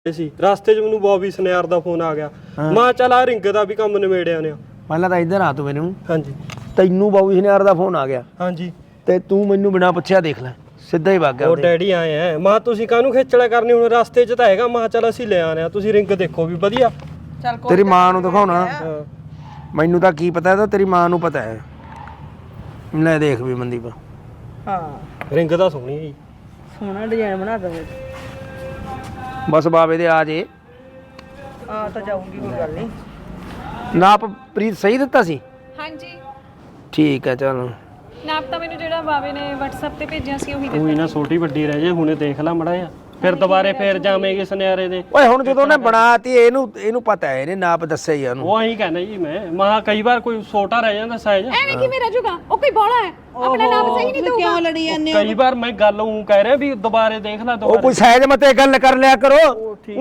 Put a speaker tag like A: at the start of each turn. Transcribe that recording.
A: ਸੀ ਰਸਤੇ 'ਚ ਮੈਨੂੰ ਬੌਬੀ ਸਨਿਆਰ ਦਾ ਫੋਨ ਆ ਗਿਆ। ਮੈਂ ਚੱਲ ਆ ਰਿੰਗ ਦਾ ਵੀ ਕੰਮ ਨਿਬੇੜਿਆ ਨੇ।
B: ਪਹਿਲਾਂ ਤਾਂ ਇੱਧਰ ਆ ਤੂੰ ਮੈਨੂੰ।
A: ਹਾਂਜੀ
B: ਤੈਨੂੰ ਬਾਬੂ ਸਨਿਆਰ ਦਾ ਫੋਨ ਆ ਗਿਆ।
A: ਹਾਂਜੀ
B: ਤੇ ਤੂੰ ਮੈਨੂੰ ਬਿਨਾਂ ਪੁੱਛਿਆ ਦੇਖ ਲੈ ਸਿੱਧਾ ਹੀ ਵਗ ਗਿਆ।
A: ਉਹ ਡੈਡੀ ਆਏ ਆ। ਮੈਂ ਤੁਸੀਂ ਕਾਹਨੂੰ ਖੇਚਲਾ ਕਰਨੀ ਹੁਣ ਰਸਤੇ 'ਚ ਤਾਂ ਹੈਗਾ। ਮੈਂ ਚੱਲ ਅਸੀਂ ਲੈ ਆਨੇ ਆ ਤੁਸੀਂ ਰਿੰਗ ਦੇਖੋ ਵੀ ਵਧੀਆ।
C: ਚੱਲ
B: ਤੇਰੀ ਮਾਂ ਨੂੰ ਦਿਖਾਉਣਾ
A: ਹਾਂ
B: ਮੈਨੂੰ ਤਾਂ ਕੀ ਪਤਾ ਤਾਂ ਤੇਰੀ ਮਾਂ ਨੂੰ ਪਤਾ ਹੈ। ਲੈ ਦੇਖ ਵੀ ਮਨਦੀਪ
C: ਹਾਂ
A: ਰਿੰਗ ਤਾਂ ਸੋਹਣੀ ਹੈ ਜੀ।
C: ਸੋਹਣਾ ਡਿਜ਼ਾਈਨ ਬਣਾ ਦਵੇ
B: ਬਸ ਬਾਬੇ ਦੇ ਆ ਜੇ
C: ਆ ਤਾਂ ਜਾਊਗੀ ਕੋਈ ਗੱਲ ਨਹੀਂ।
B: ਨਾਪ ਪ੍ਰੀਤ ਸਹੀ ਦਿੱਤਾ ਸੀ।
D: ਹਾਂਜੀ
B: ਠੀਕ ਹੈ ਚਲ
D: ਨਾਪ ਤਾਂ ਮੈਨੂੰ ਜਿਹੜਾ ਬਾਵੇ ਨੇ WhatsApp ਤੇ ਭੇਜਿਆ ਸੀ ਉਹੀ ਦਿੱਤਾ।
A: ਉਹੀ ਨਾ ਛੋਟੀ ਵੱਡੀ ਰਹਿ ਜੇ ਹੁਣੇ ਦੇਖ ਲੈ ਮੜਾ ਜਾ ਫਿਰ ਦੁਬਾਰੇ ਫੇਰ ਜਾਵੇਂਗੇ ਸੁਨਿਆਰੇ ਦੇ।
B: ਓਏ ਹੁਣ ਜਦੋਂ ਉਹਨੇ ਬਣਾਤੀ ਇਹਨੂੰ ਪਤਾ ਹੈ ਇਹਨੇ ਨਾਪ ਦੱਸਿਆ ਹੀ ਉਹਨੂੰ।
A: ਉਹ ਆਹੀ ਕਹਿੰਦਾ ਜੀ ਮੈਂ ਕਈ ਵਾਰ ਕੋਈ ਛੋਟਾ ਰਹਿ ਜਾਂਦਾ ਸਾਈਜ਼।
D: ਐਵੇਂ ਕਿਵੇਂ ਰਹਿ ਉਹ ਕੋਈ ਬੋਲਾ ਹੈ ਆਪਣਾ ਨਾਪ ਸਹੀ ਨਹੀਂ ਦਊਗਾ।
C: ਕਿਉਂ ਲੜੀ ਜਾਂਦੇ
A: ਕਈ ਵਾਰ ਮੈਂ ਗੱਲ ਉਹ ਕਹਿ ਰਿਹਾ ਵੀ ਦੁਬਾਰੇ ਦੇਖ ਲੈ
B: ਉਹ ਕੋਈ ਸਾਈਜ਼ ਮਤੇ ਗੱਲ ਕਰ ਲਿਆ ਕਰੋ।